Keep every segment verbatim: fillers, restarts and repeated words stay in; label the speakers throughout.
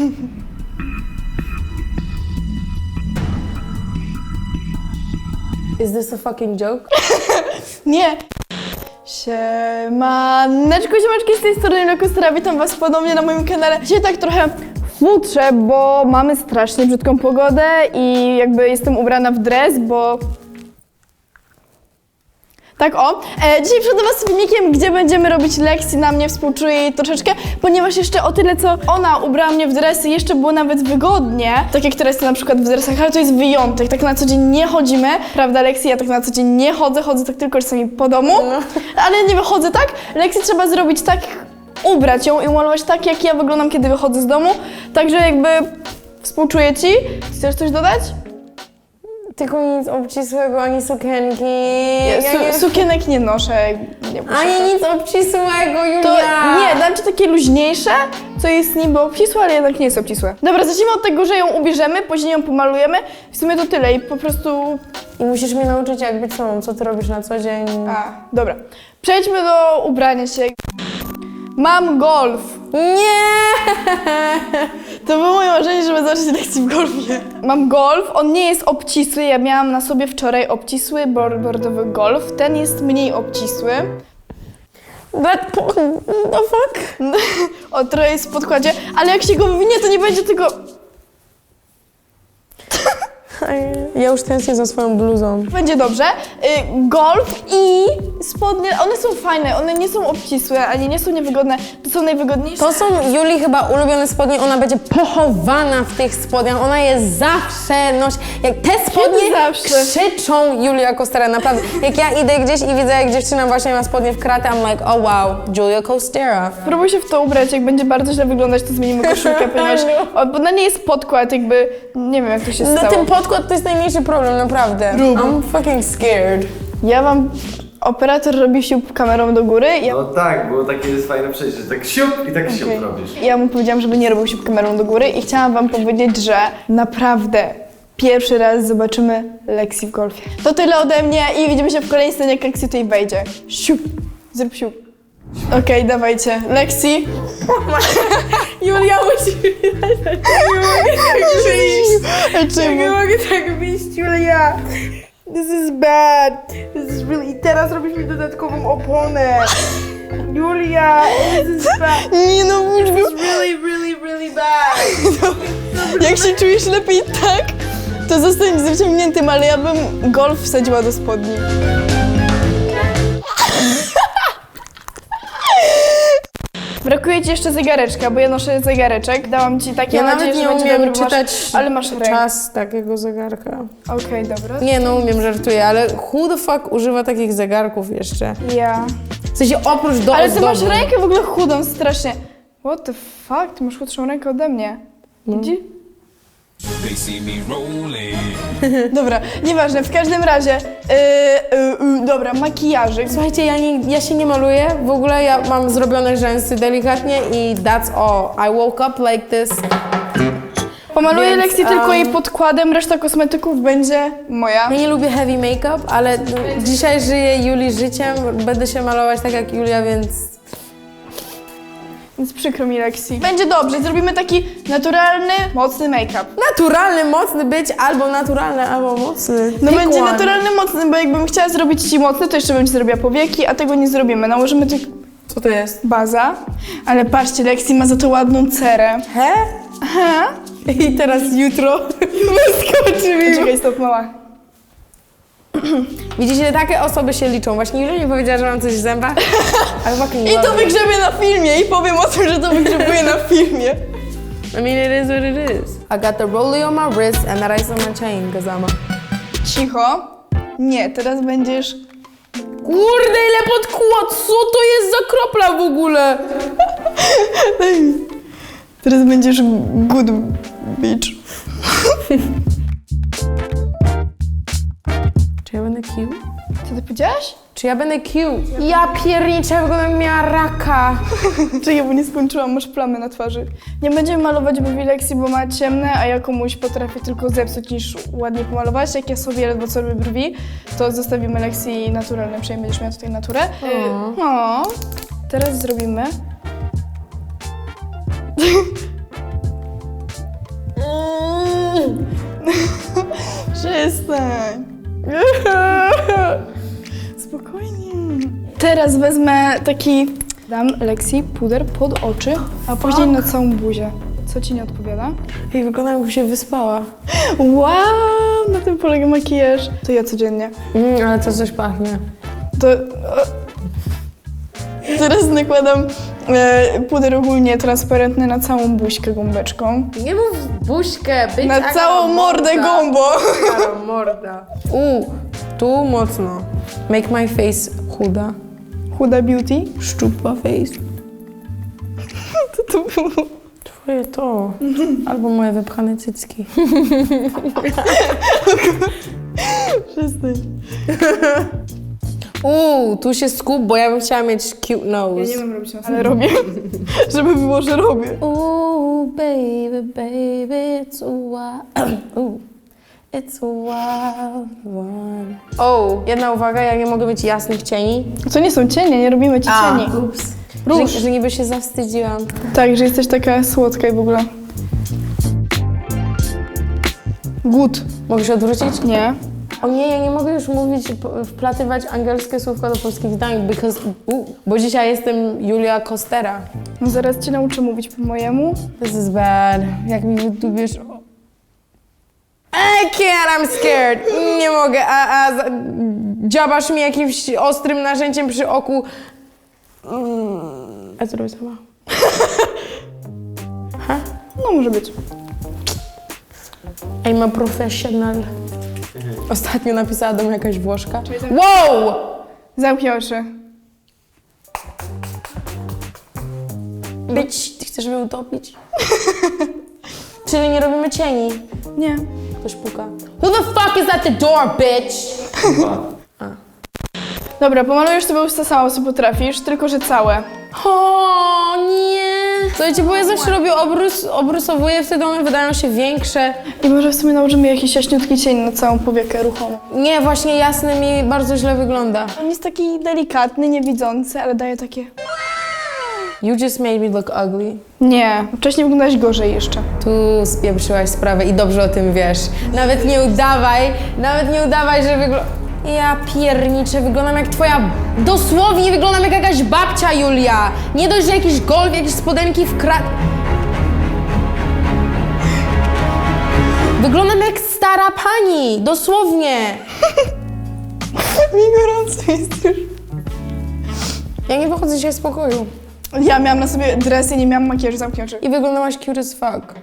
Speaker 1: Is this a fucking joke?
Speaker 2: Nie. Siemaneczko, siemaneczki, z tej strony Lokustera, witam was ponownie na moim kanale. Dzisiaj tak trochę futrzę, bo mamy strasznie brzydką pogodę i jakby jestem ubrana w dres, bo... Tak o, e, dzisiaj przed was z filmikiem, gdzie będziemy robić lekcji, na mnie współczuję jej troszeczkę, ponieważ jeszcze o tyle, co ona ubrała mnie w dresy, jeszcze było nawet wygodnie, tak jak teraz na przykład w dresach, ale to jest wyjątek, tak na co dzień nie chodzimy, prawda Leksji? Ja tak na co dzień nie chodzę, chodzę tak tylko czasami po domu, ale nie wychodzę tak. Leksji trzeba zrobić tak, ubrać ją i umalować tak, jak ja wyglądam, kiedy wychodzę z domu, także jakby współczuję ci. Chcesz coś dodać?
Speaker 1: Tylko nic obcisłego, ani sukienki.
Speaker 2: Ja, su
Speaker 1: nie...
Speaker 2: Sukienek nie noszę. Nie muszę
Speaker 1: Ani
Speaker 2: tak.
Speaker 1: nic obcisłego, Julia!
Speaker 2: To nie, dam ci takie luźniejsze, co jest niby obcisłe, ale jednak nie jest obcisłe. Dobra, zacznijmy od tego, że ją ubierzemy, później ją pomalujemy. W sumie to tyle i po prostu...
Speaker 1: I musisz mnie nauczyć, jak być sobą, co ty robisz na co dzień.
Speaker 2: A, dobra. Przejdźmy do ubrania się. Mam golf.
Speaker 1: Nie!
Speaker 2: To było moje marzenie, żeby zacząć lekcję w golfie. Mam golf, on nie jest obcisły, ja miałam na sobie wczoraj obcisły bordowy golf, ten jest mniej obcisły.
Speaker 1: That po... the fuck?
Speaker 2: O, trochę jest w podkładzie, ale jak się go wywinie, to nie będzie tego...
Speaker 1: Ja już tęsknię za swoją bluzą.
Speaker 2: Będzie dobrze. Y, golf i spodnie, one są fajne, one nie są obcisłe, ani nie są niewygodne, to są najwygodniejsze.
Speaker 1: To są Julii chyba ulubione spodnie, ona będzie pochowana w tych spodniach, ona je zawsze nosi. Jak te spodnie
Speaker 2: zawsze?
Speaker 1: krzyczą Julia Costera, naprawdę. Jak ja idę gdzieś i widzę, jak dziewczyna właśnie ma spodnie w kratę, I'm like, oh wow, Julia Costera.
Speaker 2: Spróbuj się w to ubrać, jak będzie bardzo źle wyglądać, to zmienimy koszulkę, ponieważ o, bo na niej jest podkład, jakby, nie wiem jak to się
Speaker 1: No
Speaker 2: stało.
Speaker 1: ten podkład to jest najmniejszy problem, naprawdę.
Speaker 2: Rób.
Speaker 1: I'm fucking scared.
Speaker 2: Ja wam, operator robi siup kamerą do góry, ja,
Speaker 3: No tak, było takie jest fajne przejście, że tak siup i tak siup
Speaker 2: Okej.
Speaker 3: robisz.
Speaker 2: ja mu powiedziałam, żeby nie robił siup kamerą do góry i chciałam wam powiedzieć, że naprawdę pierwszy raz zobaczymy Leksji w golfie. To tyle ode mnie i widzimy się w kolejnej scenie, jak Leksji tutaj wejdzie. Siup, zrób siup. Okej, okay, dawajcie. Leksji.
Speaker 1: Julia musi
Speaker 2: Nie
Speaker 1: mogę tak wyjść, Julia.
Speaker 4: This is bad. This is really... Teraz robisz mi dodatkową oponę. Julia, this is bad.
Speaker 2: Nie no,
Speaker 4: This is really, really, really bad.
Speaker 2: jak się czujesz lepiej tak, to zostań z wyciągniętym, ale ja bym golf wsadziła do spodni. Brakuje ci jeszcze zegareczka, bo ja noszę zegareczek. Dałam ci takie,
Speaker 1: Ja
Speaker 2: mam
Speaker 1: nawet
Speaker 2: nadzieję,
Speaker 1: nie
Speaker 2: że będzie
Speaker 1: umiem
Speaker 2: dobry,
Speaker 1: czytać
Speaker 2: masz, ale masz rękę.
Speaker 1: czas takiego zegarka.
Speaker 2: Okej, okay, dobra.
Speaker 1: Nie no, umiem, żartuję, ale who the fuck używa takich zegarków jeszcze?
Speaker 2: Ja.
Speaker 1: W sensie oprócz do
Speaker 2: Ale ty
Speaker 1: ozdoby.
Speaker 2: masz rękę w ogóle chudą strasznie. What the fuck? Ty masz chudszą rękę ode mnie. Widzi?
Speaker 5: They see me rolling.
Speaker 2: Dobra, nieważne, w każdym razie. Yy, yy, yy, dobra, makijażyk.
Speaker 1: Słuchajcie, ja, nie, ja się nie maluję, w ogóle ja mam zrobione rzęsy delikatnie i that's all. I woke up like this.
Speaker 2: Pomaluję
Speaker 1: Więc,
Speaker 2: Leksji tylko
Speaker 1: um,
Speaker 2: jej podkładem, reszta kosmetyków będzie moja.
Speaker 1: Ja nie lubię heavy make-up, ale no, dzisiaj żyję Julii życiem, będę się malować tak jak Julia, więc...
Speaker 2: Więc przykro mi Leksji. Będzie dobrze, zrobimy taki naturalny, mocny make-up.
Speaker 1: Naturalny, mocny być, albo naturalny, albo mocny.
Speaker 2: No
Speaker 1: Pick
Speaker 2: będzie
Speaker 1: one.
Speaker 2: naturalny, mocny, bo jakbym chciała zrobić ci mocny, to jeszcze bym ci zrobiła powieki, a tego nie zrobimy. Nałożymy tylko
Speaker 1: Co to jest?
Speaker 2: baza, ale patrzcie, Leksji ma za to ładną cerę.
Speaker 1: He?
Speaker 2: Aha.
Speaker 1: I teraz jutro wyskoczy mi.
Speaker 2: Czekaj, stop, mała.
Speaker 1: Widzicie, takie osoby się liczą. Właśnie Julia mi powiedziała, że mam coś w zębach. Ale fucking
Speaker 2: I to
Speaker 1: love it.
Speaker 2: wygrzebię na filmie i powiem o tym, że to wygrzebuję na filmie.
Speaker 1: I mean, it is what it is. I got the rollie on my wrist and that ice on my chain, cause I'm a...
Speaker 2: Cicho. Nie, teraz będziesz...
Speaker 1: Kurde, ile podkład! Co to jest za kropla w ogóle?
Speaker 2: Teraz będziesz good bitch.
Speaker 1: Czy ja będę cute?
Speaker 2: Co ty powiedziałaś?
Speaker 1: Czy ja będę cute? Ja pierniczę, wyglądam jak miała raka.
Speaker 2: Czekaj, bo nie skończyłam, masz plamy na twarzy. Nie będziemy malować brwi Leksji, bo ma ciemne, a ja komuś potrafię tylko zepsuć niż ładnie pomalować. Jak ja sobie ledwo co robię brwi, to zostawimy Leksji naturalne, przynajmniej będziesz miała tutaj naturę. O. Teraz zrobimy... Przestań. Spokojnie. Teraz wezmę taki, dam Lexi puder pod oczy, a później na całą buzię. Co ci nie odpowiada?
Speaker 1: Ej, wygląda jakby się wyspała.
Speaker 2: Wow, na tym polega makijaż. To ja codziennie.
Speaker 1: Mm, ale to coś pachnie.
Speaker 2: To... Teraz nakładam e, puder ogólnie transparentny na całą buźkę gąbeczką.
Speaker 1: Nie mów buźkę, być
Speaker 2: Na całą mordę gąbą.
Speaker 1: morda. U, tu mocno. Make my face chuda.
Speaker 2: Huda Beauty.
Speaker 1: Szczupła face.
Speaker 2: To to było.
Speaker 1: Twoje to. Albo moje wypchane cycki.
Speaker 2: Przestań.
Speaker 1: Uuu, tu się skup, bo ja bym chciała mieć cute nose.
Speaker 2: Ja nie wiem robić na ale robię. Żeby było, że robię.
Speaker 1: Ooh, baby, baby, it's a wild, ooh, it's a wild one. O, jedna uwaga, ja nie mogę mieć jasnych cieni.
Speaker 2: To nie są cienie, nie robimy ci cieni.
Speaker 1: Ups.
Speaker 2: Róż.
Speaker 1: Że, że niby się zawstydziłam.
Speaker 2: Tak, że jesteś taka słodka i w ogóle. Good.
Speaker 1: Mogę się odwrócić?
Speaker 2: Nie.
Speaker 1: O nie, ja nie mogę już mówić, p- wplatywać angielskie słówka do polskich zdań, because, u, bo dzisiaj jestem Julia Kostera.
Speaker 2: No zaraz cię nauczę mówić po mojemu.
Speaker 1: This is bad. Jak mi wydubiesz... I can't, I'm scared. Nie mogę, a, a za- dziabasz mi jakimś ostrym narzędziem przy oku. Mm. A co robię sama?
Speaker 2: No może być.
Speaker 1: I'm a professional. Ostatnio napisała do mnie jakaś Włoszka. Wow!
Speaker 2: Zamknij oczy.
Speaker 1: Bitch, ty chcesz mnie utopić? Czyli nie robimy cieni.
Speaker 2: Nie.
Speaker 1: Ktoś puka. Who the fuck is at the door, bitch?
Speaker 2: Dobra, pomalujesz sobie usta sama, co potrafisz, tylko że całe.
Speaker 1: O nie! Słuchajcie, bo ja zawsze robię obrus, obrusowuję, wtedy one wydają się większe.
Speaker 2: I może w sumie nałożymy jakiś jaśniutki cień na całą powiekę ruchomą.
Speaker 1: Nie, właśnie jasny mi bardzo źle wygląda.
Speaker 2: On jest taki delikatny, niewidzący, ale daje takie...
Speaker 1: You just made me look ugly.
Speaker 2: Nie, wcześniej wyglądałeś gorzej jeszcze.
Speaker 1: Tu spieprzyłaś sprawę i dobrze o tym wiesz. Nawet nie udawaj, nawet nie udawaj, że wygląda... Ja pierniczę, wyglądam jak twoja... Dosłownie wyglądam jak jakaś babcia, Julia. Nie dość, że jakiś golf, jakieś spodenki w krat... Wyglądam jak stara pani, dosłownie.
Speaker 2: Mi gorąco jest już.
Speaker 1: Ja nie wychodzę dzisiaj z pokoju.
Speaker 2: Ja miałam na sobie dres i nie miałam makijażu, zamknij oczy.
Speaker 1: I wyglądałaś cute as fuck.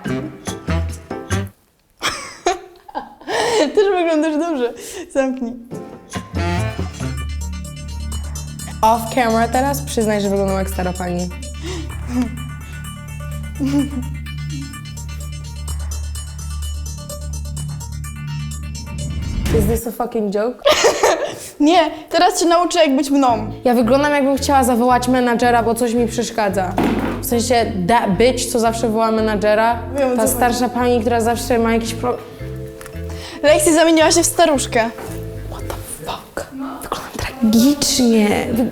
Speaker 2: Też wyglądasz dobrze. Zamknij.
Speaker 1: Off camera teraz przyznaj, że wyglądam jak stara pani. Is this a fucking joke?
Speaker 2: Nie, teraz cię nauczę jak być mną.
Speaker 1: Ja wyglądam jakbym chciała zawołać menadżera, bo coś mi przeszkadza. W sensie that bitch, co zawsze woła menadżera.
Speaker 2: Wiem, o
Speaker 1: Ta
Speaker 2: co
Speaker 1: starsza pani, która zawsze ma jakiś problem.
Speaker 2: Lexi zamieniła się w staruszkę.
Speaker 1: What the fuck? Wyglądam tragicznie. Wy...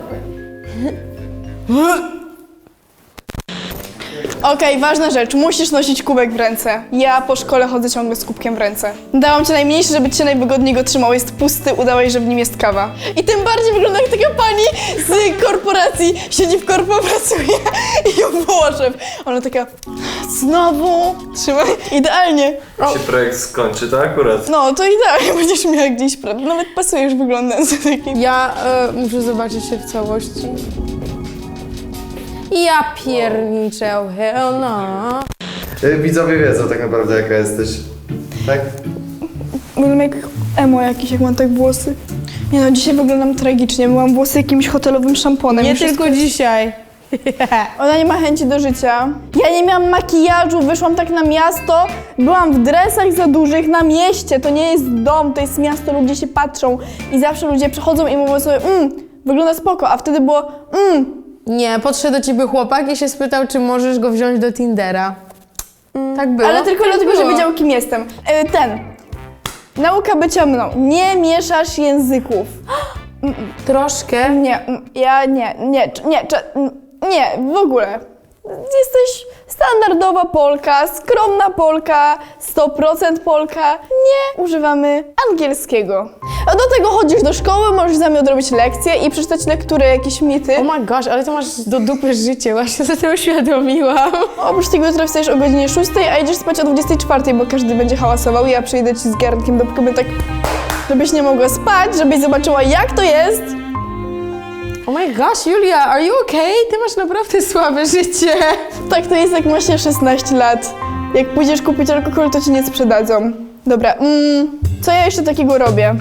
Speaker 2: Okej, ważna rzecz, musisz nosić kubek w ręce. Ja po szkole chodzę ciągle z kubkiem w ręce. Dałam ci najmniejszy, żeby cię najwygodniej go trzymał. Jest pusty, udałeś, że w nim jest kawa. I tym bardziej wygląda jak taka pani z korporacji. Siedzi w korpo, pracuje i ją woła szef. Ona taka, znowu, trzymaj, idealnie.
Speaker 3: Jak się projekt skończy, to akurat.
Speaker 2: No, to idealnie będziesz miała gdzieś pracę. Nawet pasujesz wyglądając na taki.
Speaker 1: Ja e, muszę zobaczyć się w całości. Ja pierniczę, oh hell no.
Speaker 3: Y, Widzowie wiedzą tak naprawdę jaka jesteś. Tak?
Speaker 2: Wyglądam jak emo jakiś, jak mam tak włosy. Nie no, dzisiaj wyglądam tragicznie. Myłam włosy jakimś hotelowym szamponem.
Speaker 1: Nie
Speaker 2: i wszystko
Speaker 1: tylko
Speaker 2: jest-
Speaker 1: dzisiaj.
Speaker 2: Ona nie ma chęci do życia. Ja nie miałam makijażu, wyszłam tak na miasto. Byłam w dresach za dużych na mieście. To nie jest dom, to jest miasto, ludzie się patrzą. I zawsze ludzie przychodzą i mówią sobie, mmm, wygląda spoko. A wtedy było, mmm,
Speaker 1: Nie, podszedł do ciebie chłopak i się spytał, czy możesz go wziąć do Tindera. Tak było.
Speaker 2: ale tylko
Speaker 1: tak
Speaker 2: dlatego,
Speaker 1: było.
Speaker 2: że wiedział, kim jestem. E, ten. Nauka bycia mną. Nie mieszasz języków.
Speaker 1: Troszkę.
Speaker 2: Nie, mm, ja nie, nie, cz- nie, cz- mm, nie, w ogóle. Jesteś Standardowa Polka, skromna Polka, sto procent Polka. Nie używamy angielskiego. A do tego chodzisz do szkoły, możesz z nami odrobić lekcje i przeczytać lektury, jakieś mity.
Speaker 1: Oh my gosh, ale to masz do dupy życie, właśnie sobie to uświadomiłam.
Speaker 2: Oprócz tego jutro wstajesz o godzinie szóstej, a idziesz spać o dwudziestej czwartej, bo każdy będzie hałasował i ja przyjdę ci z garnkiem do pokoju tak, żebyś nie mogła spać, żebyś zobaczyła jak to jest.
Speaker 1: Oh my gosh, Julia, are you okay? Ty masz naprawdę słabe życie.
Speaker 2: Tak to jest jak masz się szesnaście lat. Jak pójdziesz kupić alkohol, to ci nie sprzedadzą. Dobra, mm, co ja jeszcze takiego robię?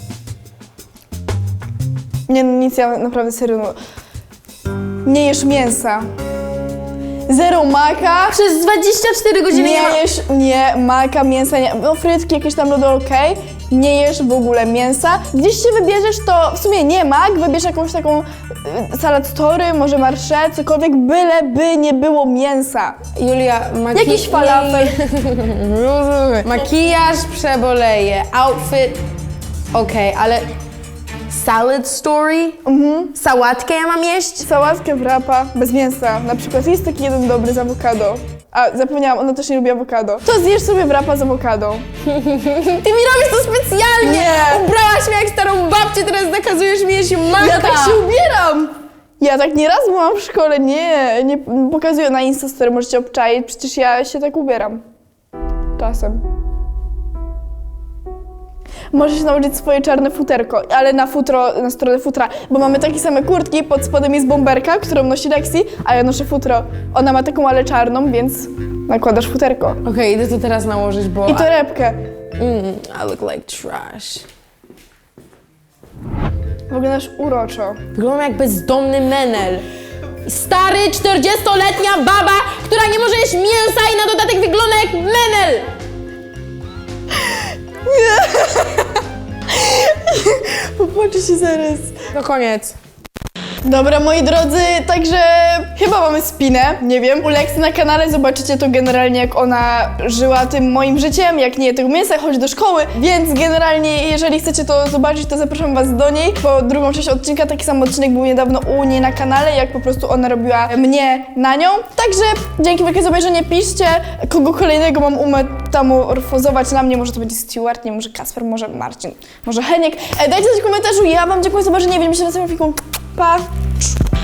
Speaker 2: Nie, no nic, ja naprawdę serio, no. Nie jesz mięsa. Zero maka.
Speaker 1: Przez dwadzieścia cztery godziny
Speaker 2: Nie
Speaker 1: nie ma...
Speaker 2: jesz, nie, maka, mięsa, nie, no frytki, jakieś tam lody, okej. Nie jesz w ogóle mięsa. Gdzieś się wybierzesz, to w sumie nie mak, wybierz jakąś taką y, salad tory, może marsze, cokolwiek, byle by nie było mięsa.
Speaker 1: Julia, maki...
Speaker 2: Jakiś falafel.
Speaker 1: Rozumiem. Makijaż przeboleje, outfit... Okej, ale... Salad story? Mhm. Sałatkę ja mam jeść?
Speaker 2: Sałatkę wrapa bez mięsa. Na przykład jest taki jeden dobry z awokado. A, zapomniałam, ona też nie lubi awokado. To zjesz sobie wrapa z awokado.
Speaker 1: Ty mi robisz to specjalnie!
Speaker 2: Nie.
Speaker 1: Ubrałaś mnie jak starą babcię, teraz nakazujesz mi jeść maka!
Speaker 2: Ja tak się ubieram! Ja tak nieraz byłam w szkole, nie, nie pokazuję na Instastory, możecie obczaić, przecież ja się tak ubieram. Czasem. Możesz nauczyć swoje czarne futerko, ale na futro, na stronę futra, bo mamy takie same kurtki, pod spodem jest bomberka, którą nosi Lexi, a ja noszę futro. Ona ma taką, ale czarną, więc nakładasz futerko.
Speaker 1: Okej, idę to teraz nałożyć, bo...
Speaker 2: I torebkę.
Speaker 1: Mm, I look like trash.
Speaker 2: Wyglądasz uroczo.
Speaker 1: Wyglądam jak bezdomny menel. Stary, czterdziestoletnia baba, która nie może jeść mięsa i na dodatek wygląda jak menel!
Speaker 2: Popłaczę się zaraz.
Speaker 1: No koniec.
Speaker 2: Dobra, moi drodzy, także chyba mamy spinę, nie wiem. U Lexi na kanale zobaczycie to generalnie, jak ona żyła tym moim życiem, jak nie je tego mięsa, chodzi do szkoły, więc generalnie, jeżeli chcecie to zobaczyć, to zapraszam was do niej, bo drugą część odcinka, taki sam odcinek był niedawno u niej na kanale, jak po prostu ona robiła mnie na nią. Także dzięki wielkie za obejrzenie, piszcie, kogo kolejnego mam umetamorfozować na mnie, może to będzie Stewart, nie, może Kasper, może Marcin, może Heniek. E, dajcie coś w komentarzu, ja wam dziękuję za zobaczenie, widzimy się na następnym filmiku. Pa!